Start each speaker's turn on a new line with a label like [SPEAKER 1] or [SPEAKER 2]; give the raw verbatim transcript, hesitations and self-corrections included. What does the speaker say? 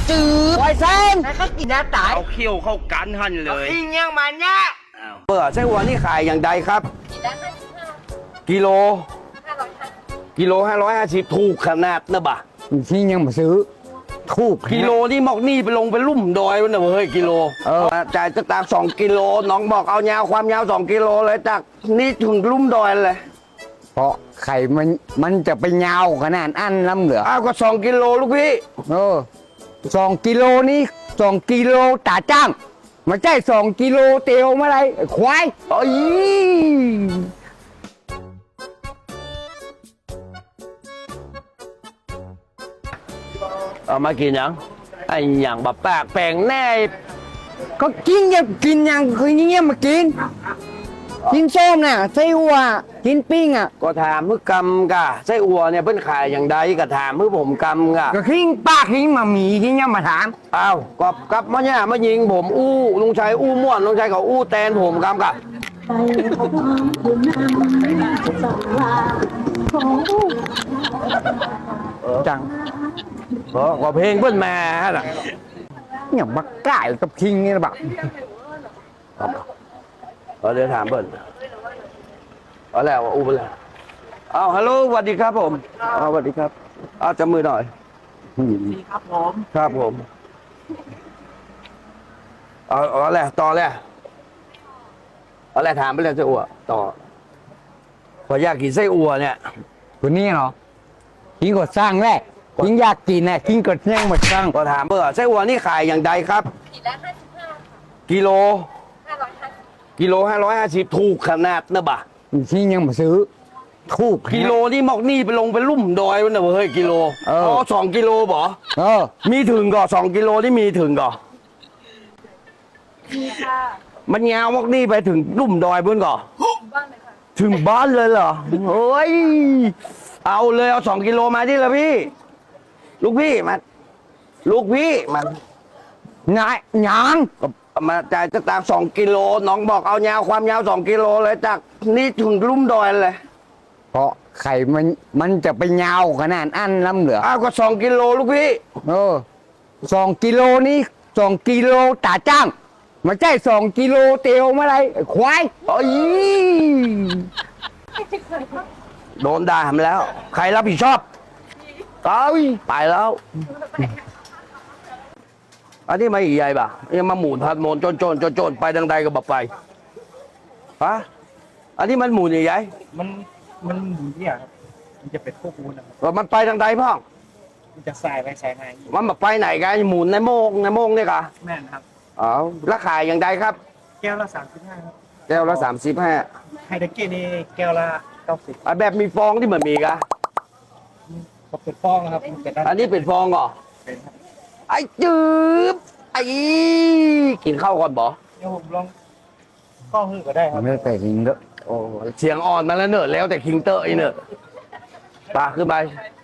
[SPEAKER 1] จืดไวเส้นแล้วก็กินน้ำตาย
[SPEAKER 2] เอาเขี้ยวเข้ากันหันเลย
[SPEAKER 1] อิงยังมันเนี่ย
[SPEAKER 2] เปิดไส้หัวนี่ขายอย่างใดครับ กิโลกิโลห้าร้อยห้าสิบถูกขนาดนะบ่ะ
[SPEAKER 3] ที่ยังมาซื้อถูก
[SPEAKER 2] กิโลนี่หมอกนี่ไปลงไปลุ่มดอยวันน่ะเว้ยกิโลเออจ่ายจะตากสองกิโลน้องบอกเอายาวความยาวสองกิโลเลยจากนี่ถึงลุ่มดอยเลย
[SPEAKER 3] เพราะไข่มันมันจะไปยาวขนาดอันล้ำเหลือ
[SPEAKER 2] อ้าวก็สองกิโลลูกพี่
[SPEAKER 3] เออสองกิโลนี้สองกิโลตาจ้างไม่ใช่สองกิโลเตียวมาไรควาย
[SPEAKER 2] โอ้ยเอามากินยังไอ้อย่างแบบปากแปลงแน่
[SPEAKER 3] ก็กินยังกินยังคือเงี้ยมากินกินส้มน่ะไส้หัวกินปิ้งอ่ะ
[SPEAKER 2] ก็ถามมือกำกะไส้อัวเนี่ยเพิ่นขายอย่างใดก็ถามมือผมกำกะ
[SPEAKER 3] ก็ขิงป้าขิงมาหมีขิงยังมาถาม
[SPEAKER 2] อ้าวกอบกับมาเนี่ยมายิงผมอู้ลุงชัยอู้ม่วนลุงชัยเขาอู้แตนผมกำกะ
[SPEAKER 3] จัง
[SPEAKER 2] เออก็เพลงเพิ่นมาฮะล่ะ
[SPEAKER 3] อย่างบักไก่กับคิงนี่นะบัก
[SPEAKER 2] เออเดี๋ยวถามเพิ่นเอาแล้วอู้ไปแล้วอ้าวฮัลโหลสวัสดีครับผมอ้าวสวัสดีครับอ้าวจับมือหน่อย
[SPEAKER 1] ดีครับผม
[SPEAKER 2] ครับผมเอาเอาแหละต่อแหละเอาแหละถามไปเลยไส้อั่วต่อขออยากกินไส้อั่วเนี่ย
[SPEAKER 3] คนนี้เหรอขิงกดสร้างแรกขิงอยากกินน่ะขิงกดยังมาสร้าง
[SPEAKER 2] ก็ถามเบอร์ไส้อั่วนี่ขายอย่างใดครับ
[SPEAKER 4] ขีดละห้าสิบห้าค่ะ
[SPEAKER 2] กิโล
[SPEAKER 4] ห้าร้อยห้าสิบ
[SPEAKER 2] กิโลห้าร้อยห้าสิบถูกขนาดนะบ่ะ
[SPEAKER 3] ที่ยังมาซื้อถูก
[SPEAKER 2] กิโลนี่หมอกนี่ไปลงไปลุ่มดอยวันน่ะเฮ้ยกิโล
[SPEAKER 3] เอออ๋
[SPEAKER 2] อ๋อสองกิโลบ่
[SPEAKER 3] เออ
[SPEAKER 2] มีถึงก่อสองกิโลนี่มีถึงก่อ
[SPEAKER 4] มีค่ะ
[SPEAKER 2] มันยาวหมอกนี่ไปถึงลุ่มดอยเพื่อนก่อ
[SPEAKER 4] บ้านเลยค่ะ
[SPEAKER 2] ถึงบ้านเลยเหรอโอ้ยเอาเลยเอาสองกิโลมาดิละพี่ ลูกพี่มาลูกพี่มา
[SPEAKER 3] นายหยัง
[SPEAKER 2] มาจ่ายจะตากสองกิโลน้องบอกเอายาวความยาวสองกิโลเลยจากนี่ถึงลุ่มดอยเลย
[SPEAKER 3] เพราะไข่มันมันจะไปยาวขนาดอันล้ำเหลือ
[SPEAKER 2] อ้าวก็สองกิโลลูกพี่
[SPEAKER 3] เออสองกิโลนี้สองกิโลตาจ้างไม่ใช่สองกิโลเตียวมาไรควาย
[SPEAKER 2] โอ้ยโดนด่ามาแล้ว ใครรับผิดชอบเอ้ยไปแล้ว อันนี้มาอีกใหญ่ป่ะยังมาหมุนพัดโมนโจนโจนโจนโจนไปดังใดก็บอกไปฮะอันนี้มันหมุนใหญ่
[SPEAKER 5] มันมันหมุนเนี่ยครับ มันจะเป็นพวกมูนนะครับ
[SPEAKER 2] ๆว่ามันไปดังใดพ่อง
[SPEAKER 5] มันจะสายไปสายมาอีก
[SPEAKER 2] มันบอกไปไหนกันหมุนในโมงในโมงเนี่ยกะ
[SPEAKER 5] แม่นครับ
[SPEAKER 2] อ๋อราคาอย่างใดครับ
[SPEAKER 5] แก้วละสามสิบห้าครับ
[SPEAKER 2] แก้วละสามสิบห้า
[SPEAKER 5] ไฮเดเกนี่แก้วละเก้าสิบ
[SPEAKER 2] แบบมีฟองที่เหมือนมีกะ
[SPEAKER 5] ก็เป็นฟองนะครับมันเป็นด้าน
[SPEAKER 2] อันนี้เป็นฟองเหรอ
[SPEAKER 5] เป็นครับ
[SPEAKER 2] ไอ้จืบไอ้กินข้าวก่อนบ่
[SPEAKER 5] เดี๋ยวผมลองข้อหื้อก็ได้ครับ
[SPEAKER 3] ไม่แต่จริงเด้อ
[SPEAKER 2] โอ้เสียงอ่อนมาแล้วเนอะแล้วแต่คิงเตอร์ไอ้เนอะปาขึ้นไป
[SPEAKER 4] ไ